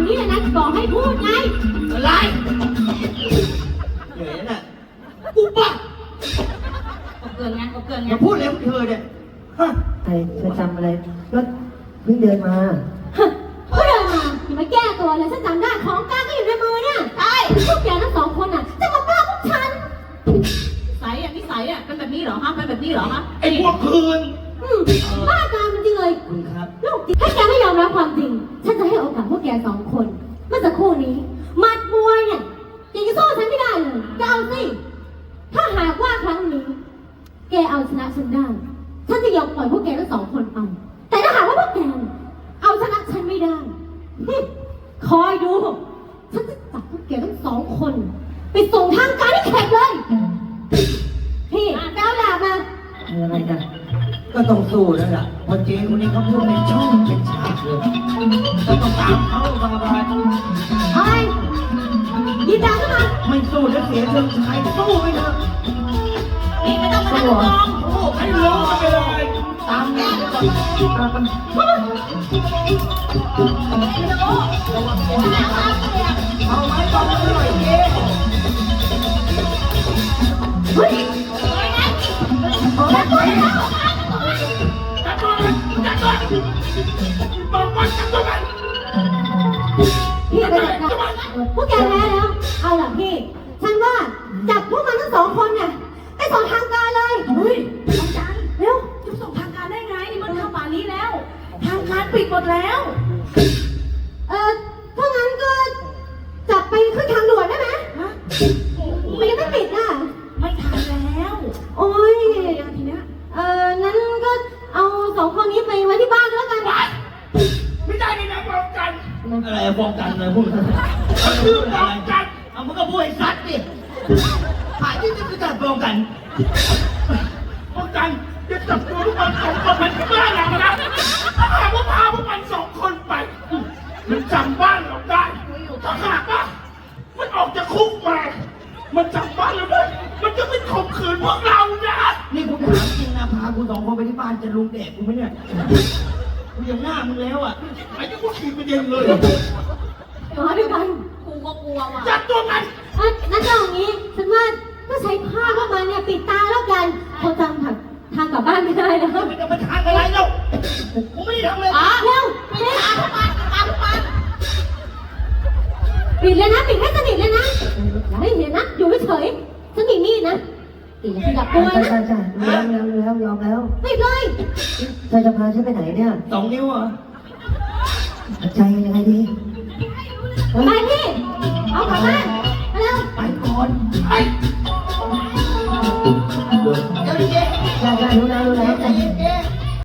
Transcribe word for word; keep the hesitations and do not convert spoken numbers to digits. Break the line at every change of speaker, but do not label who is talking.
นี้เลยนะบอกให้พูดไง
อะไรเหนื่อยน่ะกูบ้า
ก็เกินไงก็เกินไง
อย่าพูดเลยเธอเนี่ยฮะ
ใครเธอจำอะไรก็เพิ่งเดินมา
ก็เดินมาอย่ามาแก้ตัวเลยฉันจำได้ของกลางก็อยู่ในมือเนี่ยใช่พวกแกทั้งสองคนอ่ะจะมาบ้าพวกฉันสายอ่ะนิสัยอ่ะเป็นแบบนี้เหรอฮะเป็นแบบนี้เหรอฮะ
ไอ้พวกคืน
บ้าการมันจริงเลย
คุณครับ
ลูกถ้าแกไม่ยอมรับความจริงฉันจะให้โอกาสพวกแกสองคนเมื่อสักครู่นี้มัดมวยเนี่ยยังจะสู้ฉันไม่ได้เลยจะเอาสิถ้าหากว่าครั้งนี้แกเอาชนะฉันได้ฉันจะยอมปล่อยพวกแกทั้งสองคนไปแต่ถ้าหากว่าพวกแกเอาชนะฉันไม่ได้คอยดูฉันจะจับพวกแกทั้งสองคนไปส่งทางการที่แขกเลยพี่แก้วดาบมา
อะไรกัน
ก็ต้องสู้แล้วล่ะพอเจ๊คนนี้เขาพูดเป็นช่องเป็นฉากเลยก็ต้องตามเขาบาบา
ไอ้ยินดาขึ้นมา
ไม่สู้แล้วเสียเชิงชายสู้ไปเถอะ
นี่ไม่ต้องมาทำกอง
สู้ให้รู้กันไปเลยตามนี้ก่อนตามมันเอาไม้ตองมาหน่อยเจ๊
เฮ้ยจับตัวแล้ว
จับตัวมันจับตัวบอกว่าจับตัวมัน
พี่ไปจับพวกแกแพ้แล้วเอาล่ะพี่ฉันว่าจับพวกมันทั้งสองคนเนี่ยไปส่งทางการเลย
เฮ้ย
อาจารย์เร็วจะส่งทางการได้ไงนี่มันเข้าป่านี้แล้วทางการปิดหมดแล้วเออถ้างั้นก็จับไปขึ้นทางด่วนได้ไหมฮะมันยังไม่ปิดอ่ะไม่ทันแล้วโอ้ยยังทีเนี้ยเอองั้นก็เอาสองคนนี้ไปไว้ที่บ้านแล้วกัน
ไม่ได้เลยนะป้องกันอะไรป้องกันเลยพูดคือป้องกันเอามันก็พูดไอ้สัตว์ดิหายที่จะจับป้องกันป้องกันจะจับตัวพวกมันสองคนมันที่บ้านเรานะถ้าหากว่าพาพวกมันสองคนไปมันจำบ้านเราได้ถ้าหากว่ามันออกจากคุกมามันจำบ้านเราได้มันจะไม่ข่มขืนพวกเรานะนี่กูถามจริงนะพากูสองคนไปที่บ้านจะลุงแดกกูไหมเนี่ยกูยังหน้ามึงแล้วอ่ะไอ้ที่กูขี่ไปเย็นเลย
มาด้วยกันกูก็กลัวว่ะ
จับตัวมัน
งั้นเอาอย่างนี้ฉันว่าก็ใช้ผ้าเข้ามาเนี่ยปิดตาแล้วกันเขาจำทางทางกลับบ้านไม่ได้แล้ว
ไม่จะมาทางอะไรแล้วกูไม่ได้ทำเลย
อ๋อเร็วปิดตาทุกวันตาทุกวันปิดเลยนะปิดให้สนิทเลยนะอย่าให้เห็นนะอยู่เฉยฉันมีมีดนะปิดขยับตัวนะ
ใช่ใช่แล้วแล้วแล้วยอมแล้ว
ปิดเลย
เธอจะพาฉันไปไหนเนี่ย
สองนิ้วเหรอ
ใจยังไงดี